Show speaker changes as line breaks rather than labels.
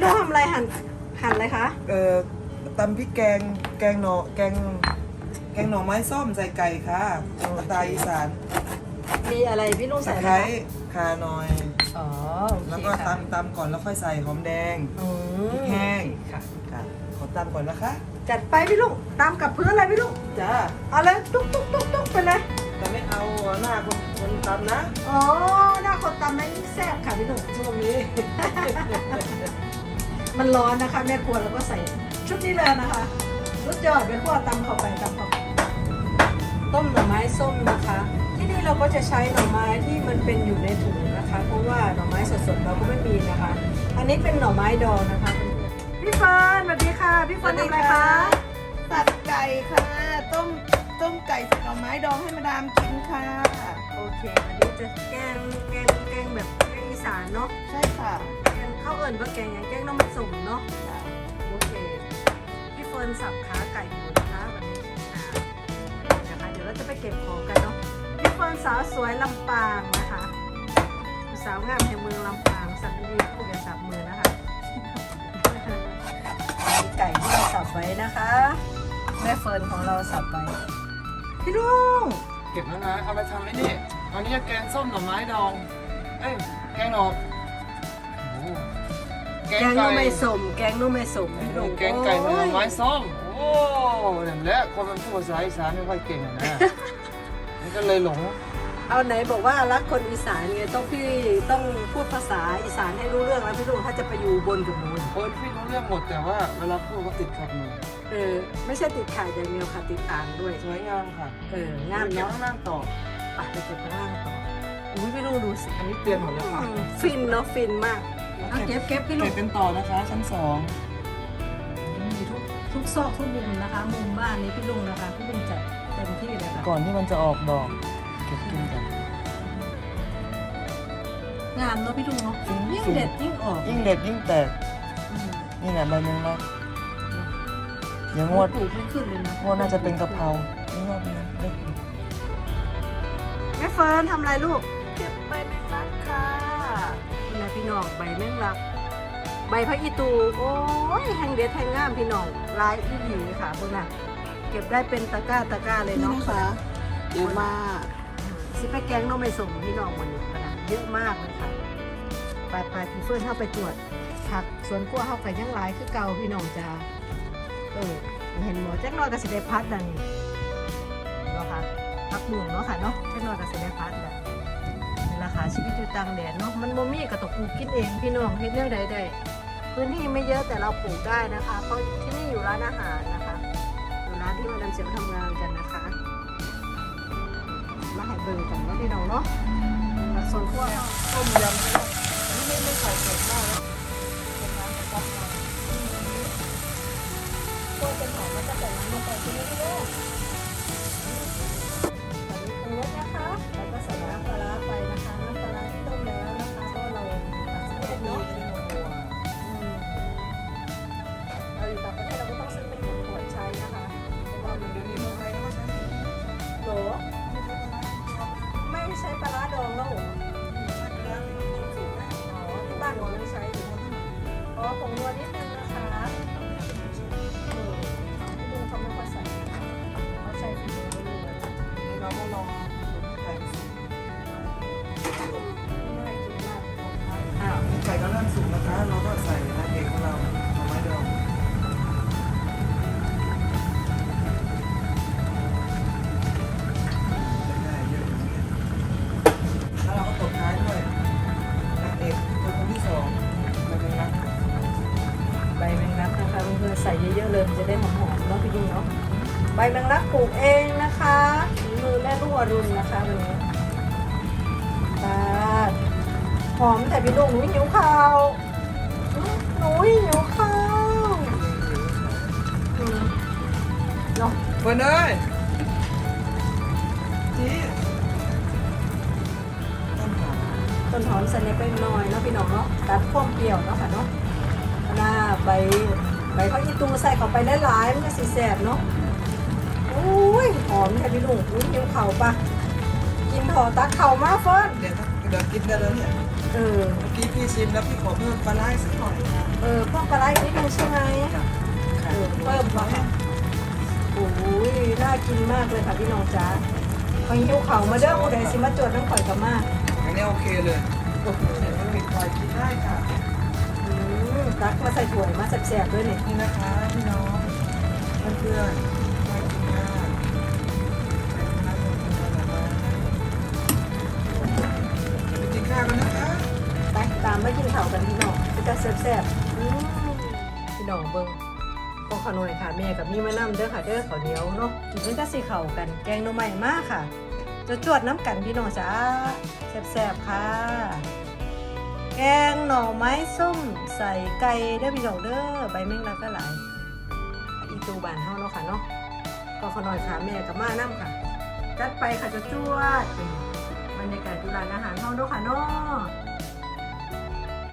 เราทำอะไรหั่นอะไรคะ
ตำพริกแกงแกงหน่อไม้ส้มใส่ไก่ค่ะสไตล์อีสาน
มีอะไรพี่ลุง
ตะ
ใส่อะ
ไค
ไร
ร้
คะ
ข่าหน่อย
อ๋อโอ
แล้ว
เค
ก็
ค่ะ
ตำก่อนแล้วค่อยใส่หอมแดง
อืม
พริกแห้ง
ค่ะ
ค่ะขอตำก่อนนะคะ
จัดไปพี่ลุงตามกับเพื่อนอะไรพี่ลุง
จ้า
เอาเลยตุ๊กตุ๊กตุ๊กตุ๊กไปเลย
แต่ไม่เอาหน้าคนตำนะ
อ๋อหน้าคนตำนั้นยิ่งแซ่บค่ะพี่ลุง
ช่วงนี้
มันร้อนนะคะแม่ครัวเราก็ใส่ชุดนี้เลยนะคะสุดยอดไปคั่วตำเข้าไปตำเข้าไปต้มหน่อไม้ส้มนะคะ ที่นี่เราก็จะใช้หน่อไม้ที่มันเป็นอยู่ในถุงนะคะ เพราะว่าหน่อไม้สดๆเราก็ไม่มีนะคะ อันนี้เป็นหน่อไม้ดองนะคะพี่เฟิร์นสวัสดีค่ะพี่เฟิร์นทำอะไรคะ
ตัดไก่ค่ะต้มไก่ใส่หน่อไม้ดองให้มาดามกินค่ะ
โอเควันนี้จะแกงแบบแกงอีสานเนาะ
ใช่ค่ะ
แกงข้าวเอิญว่าแกงอย่างแกงน้ำมันสุ่มเนาะโอเคพี่เฟิร์นสับขาไก่อยู่นะคะวันนี้นะคะเดี๋ยวเราจะไปเก็บของกันเนาะพี่เฟิร์นสาวสวยลำปางนะคะสาวงามแห่งเมืองลำปางสับดีๆผู้อย่าสับมือนะคะมีไก่ที่เราสับไว้นะคะแม่เฟิร์นของเราสับไว้พี่ลุง
เก็บแล้วนะเอาไปทำไอ้นี่อันนี้แกงส้มหน่อไม้ดองเอ้ยแกงหน่อโอ้แก
แก
ง
ง
ไก่
นุ่มไม่สมแกงนุ่มไม่สมพี่ลุง
แกงไก่หน่อไม้ส้มโอ้อย่างแรกคนมันพูดภาษาอีสานไม่ค่อยเก่งอะนะมันก็เลยหลง
เอาไหนบอกว่ารักคนอีสานไงต้องพูดภาษาอีสานให้รู้เรื่องแล้วพี่ลุงถ้าจะไปอยู่บนกับหนู
คนพี่รู้เรื่องหมดแต่ว่าเวลาพูดก็ติดขัดหน่อย
ไม่ใช่ติดขายอย่างเดียวค่ะติดอ่างด้วย
สวยงามค่ะ
งาม
เดี๋ยว
เนาะ
ข้างล่างต่อ
ไปเก็บข้างล่างต่ออุ้ยพี่ลุงดูสิ
อันนี้เตือนหมดแล้วค่ะ
ฟินเนาะฟินมากเอาเก็บพี่ลุ
เก็
ง
บกันต่อนะคะ ชั้นสอง
มีทุกซอกทุกมุมนะคะ มุมบ้านนี้พี่ลุงนะคะพี่ลุงจัดเต็มที่เลยค่ะ
ก่อนที่มันจะออกดอกเก็บกินกัน
งามเนาะพี่ลุงเนาะยิ่งเด็ดยิ่งออก
ยิ่งเด็ดยิ่งแตก
อืม
นี่แหละใบเมืองรักเดี๋ยวงวด
ปลูกไม่ขึ้นเลยนะ
งวดน่าจะเป็นกะเพรานี่งวดนี้เล็ก
แม่เฟิร์นทำอะไรลูก
เก็บใบแมงลักค่ะ
นี่นะพี่น้องใบแมงลัก ใบพระอีตูโอ้ยแห้งเด็ดแห้งงามพี่น้องลายอีหลีค่ะพวกน่ะเก็บได้เป็นตะกร้าเลย
นี่
เนาะ
นะคะเยอะมาก
สิไปแกงน้องไม่ส่งพี่น้องวันนี้ขนาดเยอะมากเลยค่ะไปพี่เฟิร์นเข้าไปตรวจผักสวนครัวเข้าไปยังหลายคือเก่าพี่น้องจ้าเห็นหมอแจ็คน้อยกับสิได้พัดดังนี้เนาะค่ะพักบุ้งเนาะค่ะเนาะแจ็คน้อยกับสิได้พัดดังนี่ราคาชีวิตอยู่ต่างแดนเนาะมันบ่มีก็ต้องปลูกกินเองพี่น้องเฮ็ดแนวใดๆพื้นที่ไม่เยอะแต่เราปลูกได้นะคะ เพราะที่นี่อยู่ร้านอาหารนะคะอยู่ร้านที่มาดามเสียวทำงานกันนะคะมาให้เบิ่งกันว่าพี่น้องเนาะผักสวนครัวเนาะ
ต้มยำนี่ไม่ใส่เผ็ดมากนะเป็นน้ำกระป๋อง
ตัวเป็นหอมมันจะแต่งน้ำลงไปที่นี่ด้วยตอนนี้ปรุงรสนะคะแล้วก็ใส่น้ำปลาร้าไปนะคะน้ำปลาร้าที่ต้มแล้วนะคะเพราะเราตัดสินใจเนาะเราอยู่ต่างประเทศเราก็ต้องซื้อเป็นขวดใช้นะคะเพราะว่ามัน
เดี๋ยวนี้เมืองไทยเขาก็ใช้
โหลไม่ใช้ปลาร้าดองแล้วเหรออ๋อที่บ้านหนูยังใช้อยู่อ๋อผงนัวนิดนึงนะคะที่ดูเขาไม่ค่อยใส่เขาใช้ฝีมือเลย
นี่เราก็ลองไก่สุก
ไม่กินมากอ้าว
ไก่ก็เริ่มสุกนะคะเราก็ใส่น้ำเอกของเราหน่อไม้ดองได้เยอะอย่างนี้แล้วเราก็ตบท้ายด้วยนางเอกคนที่สองมันเป็นรัก
ใบแมงลักนะคะเพื่อนๆใส่เยอะๆเลยมันจะได้หอมๆเนาะพี่ดุงเนาะใบแมงลักปลูกเองนะคะฝีมือแม่รุ่งอรุณนะคะวันนี้ตาดหอมแต่พี่ดุงหนูหิวข้าวหนูหิวข้าวเนาะ
เฟิร์นเอ้ยจีต้นหอม
ต้นหอมใส่ในเป็นน้อยเนาะพี่น้องเนาะตัดความเปรี้ยวเนาะค่ะเนาะหน้าใบเขาอีตูใส่เข้าไปหลายๆมันก็สีแสบเนาะโอ้ยหอมแต่พี่ดุงหิวข้าวปะกินหอตักเข่ามาเฟิร์น
เดี๋ยวกินได้แล้วเนี่ย
อเออ
เมื่อกี้พี่ชิมแล้วพี่ขอเพิ่มปลาไหลสักหน่อยค่ะ
เพิ่มปลาไหลนิดนึงใช่ไหม
ค่ะ
เพิ่มมาค่ะโอ้ยน่ากินมากเลยค่ะพี่น้องจ๋าไปหิวเขามาเด้อผู้ใดสิมาจวดน้ำข่อยกับมา
อันนี้โอเคเลย
โอ้โห
เดี๋ยวมันปิดไฟกินได้ค่ะ
ตักมาใส่ถ้วยมาแซ่บๆด้วยเนี่ย
นี่นะคะพี่น้องเพื่อนๆมากินข้าวไปกินข้าวกันนะคะ
ไปตามมากินข้าวกันพี่น้องจะแซ่บๆพี่น้องเบิ่งพวกขนมค่ะแม่กับนี่มานั่เด้อค่ะเด้อข้าวเหนียวเนาะกินด้วยกันสิเข่ากันแกงหน่อไม้มากค่ะ จะจวดน้ำกันพี่น้องจ้าแซ่บๆค่ะ แกงหน่อไม้ส้มใส่ไก่เด้อพี่น้องเด้อใบแมงลักก็หลายอีตูบานเฮาเนาะค่ะเนาะก็ขนอยค่ะแม่กับมาน้ำค่ะจัดไปค่ะจะจวดบรรยากาศที่ร้านอาหารเฮาเนาะค่ะเนาะ